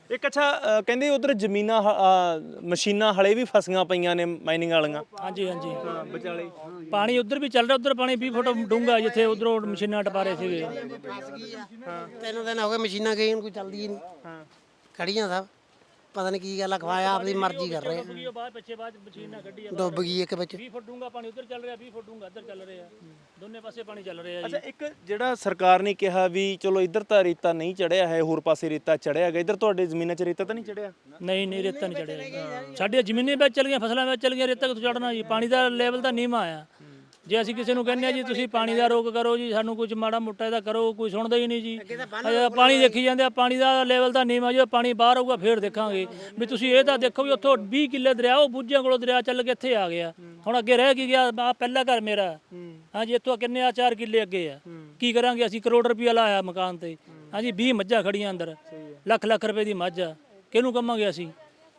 Speaker 3: ਇੱਕ ਅੱਛਾ ਅ, ਕਹਿੰਦੇ ਉਧਰ ਜ਼ਮੀਨਾਂ ਹ- ਅ, ਮਸ਼ੀਨਾਂ ਹਲੇ ਵੀ ਫਸੀਆਂ ਪਈਆਂ ਨੇ ਮਾਈਨਿੰਗ ਵਾਲੀਆਂ।
Speaker 2: ਹਾਂਜੀ ਹਾਂਜੀ
Speaker 3: ਹਾਂ ਵਿਚਾਲੇ
Speaker 2: ਪਾਣੀ ਉਧਰ ਵੀ ਚੱਲ ਰਿਹਾ, ਉਧਰ ਪਾਣੀ ਵੀਹ ਫੁੱਟ ਡੂੰਘਾ ਜਿੱਥੇ ਉਧਰੋਂ ਮਸ਼ੀਨਾਂ ਟਪਾ ਰਹੇ ਸੀਗੇ।
Speaker 4: ਫਸ ਗਈ ਆ ਤਿੰਨ ਦਿਨ ਹੋ ਗਏ ਮਸ਼ੀਨਾਂ ਗਈ ਨੂੰ ਕੋਈ ਚੱਲਦੀ ਹੀ ਨਹੀਂ
Speaker 3: ਹਾਂ
Speaker 4: ਖੜੀਆਂ ਸਭ ਪਤਾ ਨਹੀਂ ਕੀ ਗੱਲ ਆ ਖਵਾਇਆ ਆਪਦੀ ਮਰਜ਼ੀ ਕਰ ਰਹੇ ਆ।
Speaker 2: ਬਾਅਦ ਪਿੱਛੇ ਬਾਅਦ ਮਸ਼ੀਨਾਂ ਕੱਢੀ
Speaker 4: ਡੁੱਬ ਗਈ ਇੱਕ ਵਿੱਚ
Speaker 2: ਵੀਹ ਫੁੱਟ ਡੂੰਘਾ ਪਾਣੀ ਉਧਰ ਚੱਲ ਰਿਹਾ, ਵੀਹ ਫੁੱਟ ਡੂੰਘਾ ਇੱਧਰ ਚੱਲ ਰਿਹਾ, ਦੋਨੇ ਪਾਸੇ ਪਾਣੀ ਚੱਲ ਰਿਹਾ ਜੀ।
Speaker 3: ਅੱਛਾ ਇੱਕ ਜਿਹੜਾ ਸਰਕਾਰ ਨੇ ਕਿਹਾ ਵੀ ਚਲੋ ਇੱਧਰ ਤਾਂ ਰੇਤਾ ਨਹੀਂ ਚੜਿਆ ਹੈ, ਹੋਰ ਪਾਸੇ ਰੇਤਾ ਚੜਿਆ ਹੈਗਾ, ਇੱਧਰ ਤੁਹਾਡੇ ਜ਼ਮੀਨਾਂ 'ਚ ਰੇਤਾ ਤਾਂ ਨਹੀਂ ਚੜਿਆ?
Speaker 2: ਨਹੀਂ ਨਹੀਂ ਰੇਤਾ ਨਹੀਂ ਚੜਿਆ, ਸਾਡੀਆਂ ਜ਼ਮੀਨਾਂ ਵਿੱਚ ਚਲ ਗਈਆਂ, ਫਸਲਾਂ ਵਿੱਚ ਚਲ ਗਈਆਂ, ਰੇਤਾ ਕਿੱਥੋਂ ਚੜਨਾ ਜੀ? ਪਾਣੀ ਦਾ ਲੈਵਲ ਤਾਂ ਨੀਵਾਂ ਆਇਆ। ਜੇ ਅਸੀਂ ਕਿਸੇ ਨੂੰ ਕਹਿੰਦੇ ਆ ਜੀ ਤੁਸੀਂ ਪਾਣੀ ਦਾ ਰੋਕ ਕਰੋ ਜੀ, ਸਾਨੂੰ ਕੁਝ ਮਾੜਾ ਮੋਟਾ ਇਹਦਾ ਕਰੋ, ਕੋਈ ਸੁਣਦਾ ਹੀ ਨਹੀਂ ਜੀ। ਅਜੇ ਪਾਣੀ ਦੇਖੀ ਜਾਂਦੇ ਆ, ਪਾਣੀ ਦਾ ਲੈਵਲ ਤਾਂ ਨੀਵਾਂ, ਜਦੋਂ ਪਾਣੀ ਬਾਹਰ ਆਊਗਾ ਫੇਰ ਦੇਖਾਂਗੇ ਵੀ। ਤੁਸੀਂ ਇਹ ਤਾਂ ਦੇਖੋ ਵੀ ਉੱਥੋਂ ਵੀਹ ਕਿੱਲੇ ਦਰਿਆ, ਉਹ ਬੁੱਝਿਆਂ ਕੋਲੋਂ ਦਰਿਆ ਚੱਲ ਕੇ ਇੱਥੇ ਆ ਗਿਆ, ਹੁਣ ਅੱਗੇ ਰਹਿ ਕੀ ਗਿਆ? ਆ ਪਹਿਲਾ ਘਰ ਮੇਰਾ, ਹਾਂਜੀ ਇੱਥੋਂ ਕਿੰਨੇ ਆ ਚਾਰ ਕਿੱਲੇ ਅੱਗੇ ਆ, ਕੀ ਕਰਾਂਗੇ ਅਸੀਂ? ਕਰੋੜ ਰੁਪਇਆ ਲਾਇਆ ਮਕਾਨ ਤੇ, ਹਾਂਜੀ ਵੀਹ ਮੱਝਾਂ ਖੜੀਆਂ ਅੰਦਰ, ਲੱਖ ਲੱਖ ਰੁਪਏ ਦੀ ਮੱਝ ਆ, ਕਿਹਨੂੰ ਕਵਾਂਗੇ ਅਸੀਂ?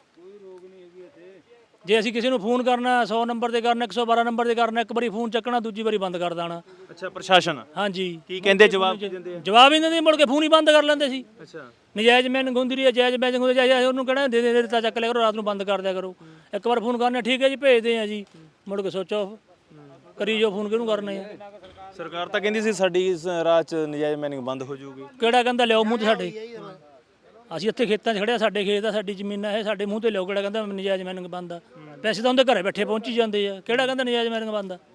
Speaker 2: ਜੇ ਅਸੀਂ ਕਿਸੇ ਨੂੰ ਫੋਨ ਕਰਨਾ ਸੌ ਨੰਬਰ ਤੇ ਕਰਨਾ, ਇੱਕ ਸੌ ਬਾਰਾਂ ਨੰਬਰ ਤੇ ਕਰਨਾ, ਇੱਕ ਵਾਰੀ ਫੋਨ ਚੱਕਣਾ, ਦੂਜੀ ਵਾਰੀ ਬੰਦ ਕਰ ਦੇਣਾ।
Speaker 3: ਅੱਛਾ ਪ੍ਰਸ਼ਾਸਨ
Speaker 2: ਹਾਂਜੀ
Speaker 3: ਕੀ ਕਹਿੰਦੇ, ਜਵਾਬ ਕੀ ਦਿੰਦੇ ਆ?
Speaker 2: ਜਵਾਬ ਹੀ ਨਹੀਂ ਦਿੰਦੇ, ਮੁੜ ਕੇ ਫੋਨ ਹੀ ਬੰਦ ਕਰ ਲੈਂਦੇ ਸੀ।
Speaker 3: ਅੱਛਾ
Speaker 2: ਨਜਾਇਜ਼ ਮੈਨ ਗੁੰਦੀ ਰਹੀ ਹੈ, ਜਾਇਜ਼ ਮੈਨ ਗੁੰਦੀ ਜਾਇਜ਼, ਉਹਨੂੰ ਕਹਿਣਾ ਦੇ ਦੇ ਰੇਤਾ ਚੱਕ ਲਿਆ ਕਰੋ, ਰਾਤ ਨੂੰ ਬੰਦ ਕਰ ਦਿਆ ਕਰੋ। ਇੱਕ ਵਾਰ ਫੋਨ ਕਰਨਾ, ਠੀਕ ਹੈ ਜੀ ਭੇਜਦੇ ਆ ਜੀ, ਮੁੜ ਕੇ ਸੋਚੋ ਕਰੀ ਜੋ ਫੋਨ ਕਿਹਨੂੰ ਕਰਨੇ ਆ।
Speaker 3: ਸਰਕਾਰ ਤਾਂ ਕਹਿੰਦੀ ਸੀ ਸਾਡੀ ਇਸ ਰਾਹ 'ਚ ਨਜਾਇਜ਼ ਮਾਈਨਿੰਗ ਬੰਦ ਹੋ ਜਾਊਗੀ।
Speaker 2: ਕਿਹੜਾ ਕਹਿੰਦਾ ਲਿਆਓ ਮੂੰਹ ਤੇ ਸਾਡੇ? ਅਸੀਂ ਇੱਥੇ ਖੇਤਾਂ 'ਚ ਖੜਿਆ, ਸਾਡੇ ਖੇਤ ਆ, ਸਾਡੀ ਜ਼ਮੀਨਾਂ ਇਹ, ਸਾਡੇ ਮੂੰਹ ਤੇ ਲਿਆਓ। ਕਿਹੜਾ ਕਹਿੰਦਾ ਨਜਾਇਜ਼ ਮਾਈਨਿੰਗ ਬੰਦ ਆ? ਪੈਸੇ ਤਾਂ ਉਹਦੇ ਘਰੇ ਬੈਠੇ ਪਹੁੰਚੀ ਜਾਂਦੇ ਆ, ਕਿਹੜਾ ਕਹਿੰਦਾ ਨਜਾਇਜ਼ ਮਾਈਨਿੰਗ ਬੰਦ ਆ?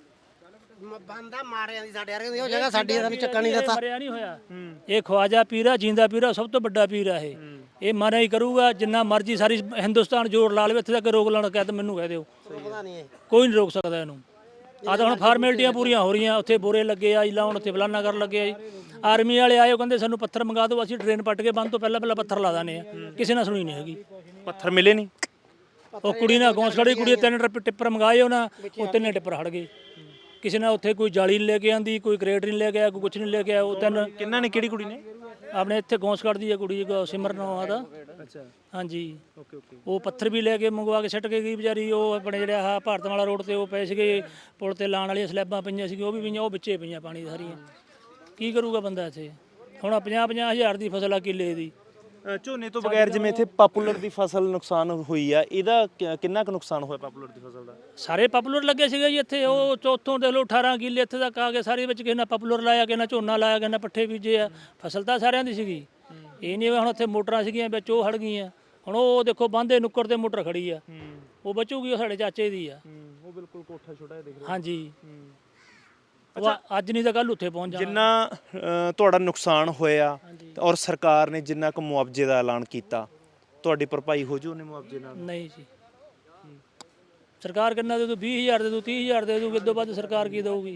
Speaker 4: ਬੰਦਾ ਮਾਰਿਆਂ ਦੀ ਸਾਡੇ ਵਰਗੇ ਦੀ ਉਹ ਜਗ੍ਹਾ ਸਾਡੀ ਸਾਨੂੰ ਚੱਕਣ ਨਹੀਂ ਦਿੱਤਾ।
Speaker 2: ਮਰਿਆ ਨਹੀਂ ਹੋਇਆ, ਇਹ ਖਵਾਜਾ ਪੀਰਾ ਜਿੰਦਾ ਪੀਰਾ, ਸਭ ਤੋਂ ਵੱਡਾ ਪੀਰ ਆ ਇਹ। ਇਹ ਮਾਰਿਆ ਹੀ ਕਰੂਗਾ, ਜਿੰਨਾ ਮਰਜ਼ੀ ਸਾਰੀ ਹਿੰਦੁਸਤਾਨ ਜੋਰ ਲਾ ਲਵੇ, ਇੱਥੇ ਤੱਕ ਰੋਕ ਲਾਉਣ ਕਹਿ ਤਾਂ ਮੈਨੂੰ ਕਹਿ ਦਿਓ,
Speaker 4: ਪਤਾ ਨਹੀਂ ਇਹ
Speaker 2: ਕੋਈ ਨਹੀਂ ਰੋਕ ਸਕਦਾ ਇਹਨੂੰ। ਆ ਤਾਂ ਹੁਣ ਫਾਰਮੈਲਿਟੀਆਂ ਪੂਰੀਆਂ ਹੋ ਰਹੀਆਂ, ਉੱਥੇ ਬੋਰੇ ਲੱਗੇ ਆ ਜੀ ਲਾਉਣ, ਉੱਥੇ ਫਲਾਨਾ ਕਰਨ ਲੱਗੇ ਆ ਜੀ। ਆਰਮੀ ਵਾਲੇ ਆਏ, ਉਹ ਕਹਿੰਦੇ ਸਾਨੂੰ ਪੱਥਰ ਮੰਗਾ ਦਿਓ, ਅਸੀਂ ਟ੍ਰੇਨ ਪੱਟ ਕੇ ਬੰਦ ਤੋਂ ਪਹਿਲਾਂ ਪਹਿਲਾਂ ਪੱਥਰ ਲਾ ਦਾਨੇ ਆ। ਕਿਸੇ ਨਾਲ ਸੁਣੀ ਨਹੀਂ ਹੈਗੀ,
Speaker 3: ਪੱਥਰ ਮਿਲੇ ਨਹੀਂ।
Speaker 2: ਉਹ ਕੁੜੀ ਨਾਲ ਗੌਂਸ ਖੜੀ, ਕੁੜੀ ਤਿੰਨ ਟਿੱਪ ਟਿੱਪਰ ਮੰਗਾਏ ਉਹਨਾਂ, ਉਹ ਤਿੰਨੇ ਟਿੱਪਰ ਹੜ ਗਏ। ਕਿਸੇ ਨਾਲ ਉੱਥੇ ਕੋਈ ਜਾਲੀ ਨਹੀਂ ਲੈ ਕੇ ਆਂਦੀ, ਕੋਈ ਕਰੇਟ ਨਹੀਂ ਲੈ ਕੇ ਆਇਆ, ਕੋਈ ਕੁਛ ਨਹੀਂ ਲੈ ਕੇ ਆਇਆ। ਉਹ ਤਿੰਨ
Speaker 3: ਕਿੰਨਾ ਨੇ, ਕਿਹੜੀ ਕੁੜੀ ਨੇ?
Speaker 2: ਆਪਣੇ ਇੱਥੇ ਗੌਂਸ ਕੱਢਦੀ ਹੈ ਕੁੜੀ, ਸਿਮਰਨ ਨਾਂ ਦਾ।
Speaker 3: ਅੱਛਾ
Speaker 2: ਹਾਂਜੀ
Speaker 3: ਓਕੇ ਓਕੇ।
Speaker 2: ਉਹ ਪੱਥਰ ਵੀ ਲੈ ਕੇ ਮੰਗਵਾ ਕੇ ਸਿੱਟ ਕੇ ਗਈ ਵਿਚਾਰੀ। ਉਹ ਆਪਣੇ ਜਿਹੜੇ ਆਹ ਭਾਰਤ ਵਾਲਾ ਰੋਡ ਤੇ ਉਹ ਪਏ ਸੀਗੇ, ਪੁਲ ਤੇ ਲਾਣ ਵਾਲੀਆਂ ਸਲੈਬਾਂ ਪਈਆਂ ਸੀਗੀਆਂ, ਉਹ ਵੀ ਪਈਆਂ, ਉਹ ਵਿੱਚੇ ਪਈਆਂ ਪਾਣੀ ਸਾਰੀਆਂ। ਕੀ ਕਰੂਗਾ ਬੰਦਾ ਇੱਥੇ? ਹੁਣ ਪੰਜਾਹ ਪੰਜਾਹ ਹਜ਼ਾਰ ਦੀ ਫਸਲ ਆ ਕਿੱਲੇ ਦੀ।
Speaker 3: ਅ, ਝੋਨੇ ਤੋਂ ਬਗੈਰ ਜਿਵੇਂ ਇੱਥੇ ਪਾਪੂਲਰ ਦੀ ਫਸਲ ਨੁਕਸਾਨ ਹੋਈ ਆ, ਇਹਦਾ ਕਿ- ਕਿੰਨਾ ਕੁ ਨੁਕਸਾਨ ਹੋਇਆ ਪਾਪੂਲਰ ਦੀ ਫਸਲ ਦਾ?
Speaker 2: ਸਾਰੇ ਪਾਪੂਲਰ ਲੱਗੇ ਸੀਗੇ ਜੀ ਇੱਥੇ, ਉਹ ਚੌਥੋਂ ਦੇਖ ਲਓ ਅਠਾਰਾਂ ਕਿੱਲੇ ਇੱਥੇ ਤੱਕ ਆ ਗਏ ਸਾਰੇ, ਵਿੱਚ ਕਿਸੇ ਨੇ ਪਾਪੂਲਰ ਲਾਇਆ, ਕਿਸੇ ਨੇ ਝੋਨਾ ਲਾਇਆ, ਕਿਸੇ ਨੇ ਪੱਠੇ ਬੀਜੇ ਆ। ਫਸਲ ਤਾਂ ਸਾਰਿਆਂ ਦੀ ਸੀਗੀ, ਇਹ ਨਹੀਂ ਹੁਣ ਇੱਥੇ ਮੋਟਰਾਂ ਸੀਗੀਆਂ ਵਿੱਚ ਉਹ ਹੜ ਗਈਆਂ। ਹੁਣ ਉਹ ਦੇਖੋ ਬਾਂਦੇ ਨੁੱਕਰ ਤੇ ਮੋਟਰ ਖੜੀ ਆ, ਉਹ ਬਚੂਗੀ, ਉਹ ਸਾਡੇ ਚਾਚੇ ਦੀ ਆ।
Speaker 3: ਉਹ ਬਿਲਕੁਲ ਕੋਠਾ ਛੋਟਾ ਜਿਹਾ ਦਿਖ ਰਿਹਾ।
Speaker 2: ਹਾਂਜੀ ਉਹ ਅੱਜ ਨਹੀਂ ਤਾਂ ਕੱਲ ਉੱਥੇ ਪਹੁੰਚ ਜਾਣਾ।
Speaker 3: ਜਿੰਨਾ ਅ, ਤੁਹਾਡਾ ਨੁਕਸਾਨ ਹੋਇਆ ਔਰ ਸਰਕਾਰ ਨੇ ਜਿੰਨਾ ਕੁ ਮੁਆਵਜ਼ੇ ਦਾ ਐਲਾਨ ਕੀਤਾ, ਤੁਹਾਡੀ ਭਰਪਾਈ ਹੋ ਜੂ ਉਹਨੇ ਮੁਆਵਜ਼ੇ ਨਾਲ?
Speaker 2: ਨਹੀਂ ਜੀ, ਸਰਕਾਰ ਕਿੰਨਾ ਦੇ ਦੂ? ਵੀਹ ਹਜ਼ਾਰ ਦੇ ਦੂ, ਤੀਹ ਹਜ਼ਾਰ ਦੇ ਦੂਗੀ, ਇਦੋਂ ਵੱਧ ਸਰਕਾਰ ਕੀ ਦੇਊਗੀ?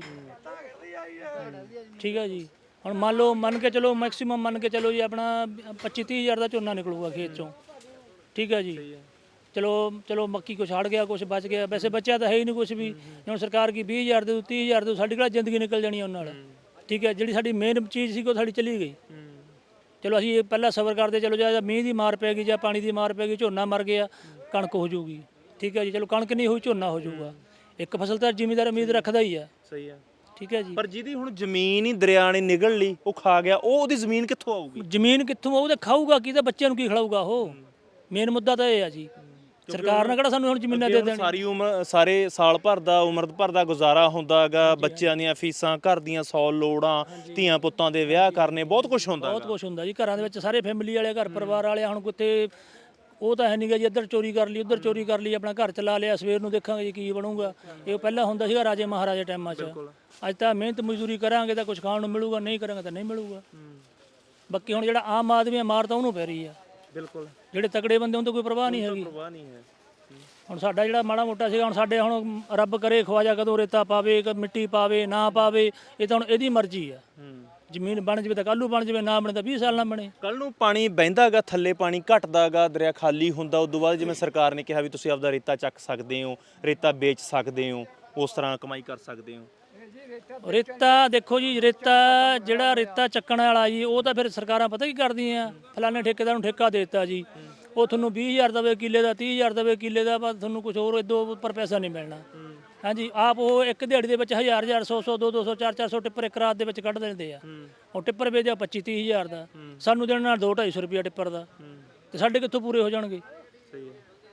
Speaker 2: ਠੀਕ ਹੈ ਜੀ, ਹੁਣ ਮੰਨ ਲਓ, ਮੰਨ ਕੇ ਚਲੋ ਮੈਕਸਿਮਮ ਮੰਨ ਕੇ ਚਲੋ ਜੀ ਆਪਣਾ ਪੱਚੀ ਤੀਹ ਹਜ਼ਾਰ ਦਾ ਝੋਨਾ ਨਿਕਲੂਗਾ ਖੇਤ ਚੋਂ। ਠੀਕ ਹੈ ਜੀ, ਚਲੋ ਚਲੋ ਮੱਕੀ ਕੁਛ ਹੜ ਗਿਆ, ਕੁਛ ਬਚ ਗਿਆ, ਵੈਸੇ ਬਚਿਆ ਤਾਂ ਹੈ ਹੀ ਨਹੀਂ ਕੁਛ ਵੀ। ਹੁਣ ਸਰਕਾਰ ਕੀ ਵੀਹ ਹਜ਼ਾਰ ਦੇ ਦੂ, ਤੀਹ ਹਜ਼ਾਰ ਦੇ ਦੂ, ਸਾਡੀ ਕਿਹੜਾ ਜ਼ਿੰਦਗੀ ਨਿਕਲ ਜਾਣੀ ਉਹਨਾਂ ਨਾਲ? ਠੀਕ ਹੈ, ਜਿਹੜੀ ਸਾਡੀ ਮੇਨ ਚੀਜ਼ ਸੀ ਉਹ ਸਾਡੀ ਚਲੀ ਗਈ। ਚਲੋ ਅਸੀਂ ਪਹਿਲਾਂ ਸਬਰ ਕਰਦੇ, ਚਲੋ ਜਾਂ ਮੀਂਹ ਦੀ ਮਾਰ ਪੈ ਗਈ ਜਾਂ ਪਾਣੀ ਦੀ ਮਾਰ ਪੈ ਗਈ, ਝੋਨਾ ਮਰ ਗਿਆ, ਕਣਕ ਹੋ ਜਾਊਗੀ। ਠੀਕ ਹੈ ਜੀ, ਚਲੋ ਕਣਕ ਨਹੀਂ ਹੋਈ, ਝੋਨਾ ਹੋ ਜਾਊਗਾ। ਇੱਕ ਫਸਲ ਤਾਂ ਜ਼ਿਮੀਦਾਰ ਉਮੀਦ ਰੱਖਦਾ ਹੀ ਆ।
Speaker 3: ਸਹੀ ਆ।
Speaker 2: ਠੀਕ ਹੈ ਜੀ,
Speaker 3: ਪਰ ਜਿਹਦੀ ਹੁਣ ਜ਼ਮੀਨ ਹੀ ਦਰਿਆ ਨੇ ਨਿਗਲ ਲਈ, ਉਹ ਖਾ ਗਿਆ, ਉਹ ਉਹਦੀ ਜ਼ਮੀਨ ਕਿੱਥੋਂ ਆਊਗੀ?
Speaker 2: ਜ਼ਮੀਨ ਕਿੱਥੋਂ ਆਊ ਤੇ ਖਾਊਗਾ ਕੀ, ਤੇ ਬੱਚਿਆਂ ਨੂੰ ਕੀ ਖਿਲਾਊਗਾ? ਉਹ ਮੇਨ ਮੁੱਦਾ ਤਾਂ ਇਹ ਆ ਜੀ। ਸਰਕਾਰ ਨੇ ਕਿਹੜਾ ਸਾਨੂੰ ਹੁਣ ਜ਼ਮੀਨਾਂ ਦੇ ਦੇਣ?
Speaker 3: ਸਾਰੀ ਉਮਰ, ਸਾਰੇ ਸਾਲ ਭਰ ਦਾ, ਉਮਰ ਭਰ ਦਾ ਗੁਜ਼ਾਰਾ ਹੁੰਦਾ ਹੈਗਾ, ਬੱਚਿਆਂ ਦੀਆਂ ਫੀਸਾਂ, ਘਰ ਦੀਆਂ ਸੌ ਲੋੜਾਂ, ਧੀਆਂ ਪੁੱਤਾਂ ਦੇ ਵਿਆਹ ਕਰਨੇ, ਬਹੁਤ ਕੁਝ ਹੁੰਦਾ।
Speaker 2: ਬਹੁਤ ਕੁਝ ਹੁੰਦਾ ਜੀ ਘਰਾਂ ਦੇ ਵਿੱਚ, ਸਾਰੇ ਫੈਮਿਲੀ ਵਾਲੇ, ਘਰ ਪਰਿਵਾਰ ਵਾਲੇ। ਹੁਣ ਕਿਤੇ ਉਹ ਤਾਂ ਹੈ ਨਹੀਂਗਾ ਜੀ, ਇੱਧਰ ਚੋਰੀ ਕਰ ਲਈ, ਉੱਧਰ ਚੋਰੀ ਕਰ ਲਈ, ਆਪਣਾ ਘਰ ਚਲਾ ਲਿਆ, ਸਵੇਰ ਨੂੰ ਦੇਖਾਂਗੇ ਜੀ ਕੀ ਬਣੂਗਾ। ਇਹ ਪਹਿਲਾਂ ਹੁੰਦਾ ਸੀਗਾ ਰਾਜੇ ਮਹਾਰਾਜੇ ਟਾਈਮਾਂ 'ਚ। ਅੱਜ ਤਾਂ ਮਿਹਨਤ ਮਜ਼ਦੂਰੀ ਕਰਾਂਗੇ ਤਾਂ ਕੁਝ ਖਾਣ ਨੂੰ ਮਿਲੂਗਾ, ਨਹੀਂ ਕਰਾਂਗੇ ਤਾਂ ਨਹੀਂ ਮਿਲੂਗਾ। ਬਾਕੀ ਹੁਣ ਜਿਹੜਾ ਆਮ ਆਦਮੀ ਮਾਰ ਤਾਂ ਉਹਨੂੰ ਪੈ ਰਹੀ ਆ।
Speaker 3: ਬਿਲਕੁਲ,
Speaker 2: ਜਿਹੜੇ ਤਕੜੇ ਬੰਦੇ ਉਹਨਾਂ ਤੋਂ ਕੋਈ ਪਰਵਾਹ ਨਹੀਂ ਹੈਗੀ।
Speaker 3: ਪਰਵਾਹ ਨਹੀਂ ਹੈ।
Speaker 2: ਹੁਣ ਸਾਡਾ ਜਿਹੜਾ ਮਾੜਾ ਮੋਟਾ ਸੀਗਾ, ਹੁਣ ਸਾਡੇ ਹੁਣ ਰੱਬ ਕਰੇ ਖਵਾਜਾ ਕਦੋਂ ਰੇਤਾ ਪਾਵੇ, ਮਿੱਟੀ ਪਾਵੇ ਨਾ ਪਾਵੇ, ਇਹ ਤਾਂ ਹੁਣ ਇਹਦੀ ਮਰਜ਼ੀ ਆ। ਜ਼ਮੀਨ ਬਣ ਜਵੇ ਤਾਂ ਕੱਲ੍ਹ ਨੂੰ ਬਣ ਜਵੇ, ਨਾ ਬਣੇ ਤਾਂ ਵੀਹ ਸਾਲ ਨਾ ਬਣੇ।
Speaker 3: ਕੱਲ ਨੂੰ ਪਾਣੀ ਬਹਿੰਦਾਗਾ, ਥੱਲੇ ਪਾਣੀ ਘਟਦਾਗਾ, ਦਰਿਆ ਖਾਲੀ ਹੁੰਦਾ, ਉਸ ਤੋਂ ਬਾਅਦ ਜਿਵੇਂ ਸਰਕਾਰ ਨੇ ਕਿਹਾ ਵੀ ਤੁਸੀਂ ਆਪਦਾ ਰੇਤਾ ਚੱਕ ਸਕਦੇ ਹੋ, ਰੇਤਾ ਵੇਚ ਸਕਦੇ ਹੋ, ਉਸ ਤਰ੍ਹਾਂ ਕਮਾਈ ਕਰ ਸਕਦੇ ਹੋ।
Speaker 2: ਰੇਤਾ ਦੇਖੋ ਜੀ, ਰੇਤਾ ਜਿਹੜਾ ਰੇਤਾ ਚੱਕਣ ਵਾਲਾ ਜੀ, ਉਹ ਤਾਂ ਫਿਰ ਸਰਕਾਰਾਂ ਪਤਾ ਕੀ ਕਰਦੀਆਂ, ਫਲਾਣੇ ਠੇਕੇਦਾਰ ਨੂੰ ਠੇਕਾ ਦੇ ਦਿੱਤਾ ਜੀ, ਉਹ ਤੁਹਾਨੂੰ ਵੀਹ ਹਜ਼ਾਰ ਦੇਵੇ ਕਿੱਲੇ ਦਾ, ਤੀਹ ਹਜ਼ਾਰ ਦੇਵੇ ਕਿੱਲੇ ਦਾ, ਪਰ ਤੁਹਾਨੂੰ ਕੁਝ ਹੋਰ ਇਦੋਂ ਉੱਪਰ ਪੈਸਾ ਨਹੀਂ ਮਿਲਣਾ। ਹਾਂਜੀ, ਆਪ ਉਹ ਇੱਕ ਦਿਹਾੜੀ ਦੇ ਵਿੱਚ ਹਜ਼ਾਰ ਹਜ਼ਾਰ, ਸੌ ਸੌ, ਦੋ ਦੋ ਸੌ, ਚਾਰ ਚਾਰ ਸੌ ਟਿੱਪਰ ਇੱਕ ਰਾਤ ਦੇ ਵਿੱਚ ਕੱਢ ਦਿੰਦੇ ਆ। ਉਹ ਟਿੱਪਰ ਵੇਚਦੇ ਆ ਪੱਚੀ ਤੀਹ ਹਜ਼ਾਰ ਦਾ, ਸਾਨੂੰ ਦੇਣਾ ਦੋ ਢਾਈ ਸੌ ਰੁਪਇਆ ਟਿੱਪਰ ਦਾ। ਤੇ ਸਾਡੇ ਕਿੱਥੋਂ ਪੂਰੇ ਹੋ ਜਾਣਗੇ?
Speaker 3: ਸਹੀ ਹੈ।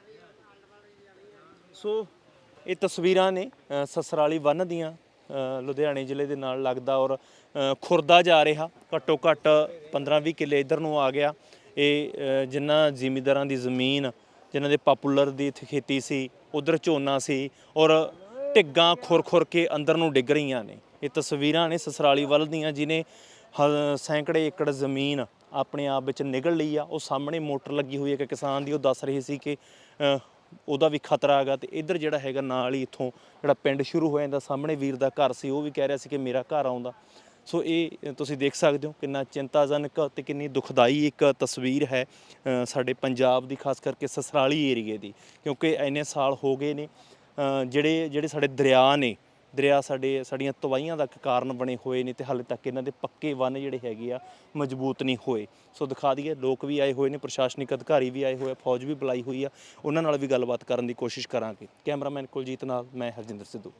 Speaker 3: ਸੋ ਇਹ ਤਸਵੀਰਾਂ ਨੇ ਅ, ਸਸਰਾਲੀ ਬੰਨ੍ਹ ਦੀਆਂ, ਅ, ਲੁਧਿਆਣੇ ਜ਼ਿਲ੍ਹੇ ਦੇ ਨਾਲ ਲੱਗਦਾ, ਔਰ ਅ, ਖੁਰਦਾ ਜਾ ਰਿਹਾ ਘੱਟੋ ਘੱਟ ਪੰਦਰਾਂ ਵੀਹ ਕਿੱਲੇ ਇੱਧਰ ਨੂੰ ਆ ਗਿਆ। ਇਹ ਅ, ਜਿਨ੍ਹਾਂ ਜ਼ਿਮੀਂਦਾਰਾਂ ਦੀ ਜ਼ਮੀਨ, ਜਿਨ੍ਹਾਂ ਦੇ ਪਾਪੂਲਰ ਦੀ ਇੱਥੇ ਖੇਤੀ ਸੀ, ਉਧਰ ਝੋਨਾ ਸੀ, ਔਰ ਢਿੱਗਾਂ ਖੁਰ ਖੁਰ ਕੇ ਅੰਦਰ ਨੂੰ ਡਿੱਗ ਰਹੀਆਂ ਨੇ। ਇਹ ਤਸਵੀਰਾਂ ਨੇ ਸਸਰਾਲੀ ਵੱਲ ਦੀਆਂ, ਜਿਹਨੇ ਹ- ਸੈਂਕੜੇ ਏਕੜ ਜ਼ਮੀਨ ਆਪਣੇ ਆਪ ਵਿੱਚ ਨਿਗਲ ਲਈ ਆ। ਉਹ ਸਾਹਮਣੇ ਮੋਟਰ ਲੱਗੀ ਹੋਈ ਹੈ ਕਿ ਕਿਸਾਨ ਦੀ, ਉਹ ਦੱਸ ਰਹੇ ਸੀ ਕਿ ਅ, ਉਹਦਾ ਵੀ ਖਤਰਾ ਹੈਗਾ। ਤੇ ਇੱਧਰ ਜਿਹੜਾ ਹੈਗਾ ਨਾਲ ਹੀ ਇੱਥੋਂ ਜਿਹੜਾ ਪਿੰਡ ਸ਼ੁਰੂ ਹੋ ਜਾਂਦਾ, ਸਾਹਮਣੇ ਵੀਰ ਦਾ ਘਰ ਸੀ, ਉਹ ਵੀ ਕਹਿ ਰਿਹਾ ਸੀ ਕਿ ਮੇਰਾ ਘਰ ਆਉਂਦਾ। ਸੋ ਇਹ ਤੁਸੀਂ ਦੇਖ ਸਕਦੇ ਹੋ ਕਿੰਨਾ ਚਿੰਤਾਜਨਕ ਤੇ ਕਿੰਨੀ ਦੁਖਦਾਈ ਇੱਕ ਤਸਵੀਰ ਹੈ ਅ, ਸਾਡੇ ਪੰਜਾਬ ਦੀ, ਖਾਸ ਕਰਕੇ ਸਸਰਾਲੀ ਏਰੀਏ ਦੀ, ਕਿਉਂਕਿ ਇੰਨੇ ਸਾਲ ਹੋ ਗਏ ਨੇ ਅ, ਜਿਹੜੇ ਜਿਹੜੇ ਸਾਡੇ ਦਰਿਆ ਨੇ, ਦਰਿਆ ਸਾਡੇ ਸਾਡੀਆਂ ਤਬਾਹੀਆਂ ਦਾ ਕਾਰਨ ਬਣੇ ਹੋਏ ਨੇ, ਤੇ ਹਾਲੇ ਤੱਕ ਇਹਨਾਂ ਦੇ ਪੱਕੇ ਬੰਨ੍ਹ ਜਿਹੜੇ ਹੈਗੇ ਆ ਮਜ਼ਬੂਤ ਨਹੀਂ ਹੋਏ। ਸੋ ਦਿਖਾ ਦਈਏ, ਲੋਕ ਵੀ ਆਏ ਹੋਏ ਨੇ, ਪ੍ਰਸ਼ਾਸਨਿਕ ਅਧਿਕਾਰੀ ਵੀ ਆਏ ਹੋਏ ਆ, ਫੌਜ ਵੀ ਬੁਲਾਈ ਹੋਈ ਆ, ਉਹਨਾਂ ਨਾਲ ਵੀ ਗੱਲਬਾਤ ਕਰਨ ਦੀ ਕੋਸ਼ਿਸ਼ ਕਰਾਂਗੇ। ਕੈਮਰਾਮੈਨ ਕੁਲਜੀਤ ਨਾਲ ਮੈਂ ਹਰਜਿੰਦਰ ਸਿੱਧੂ।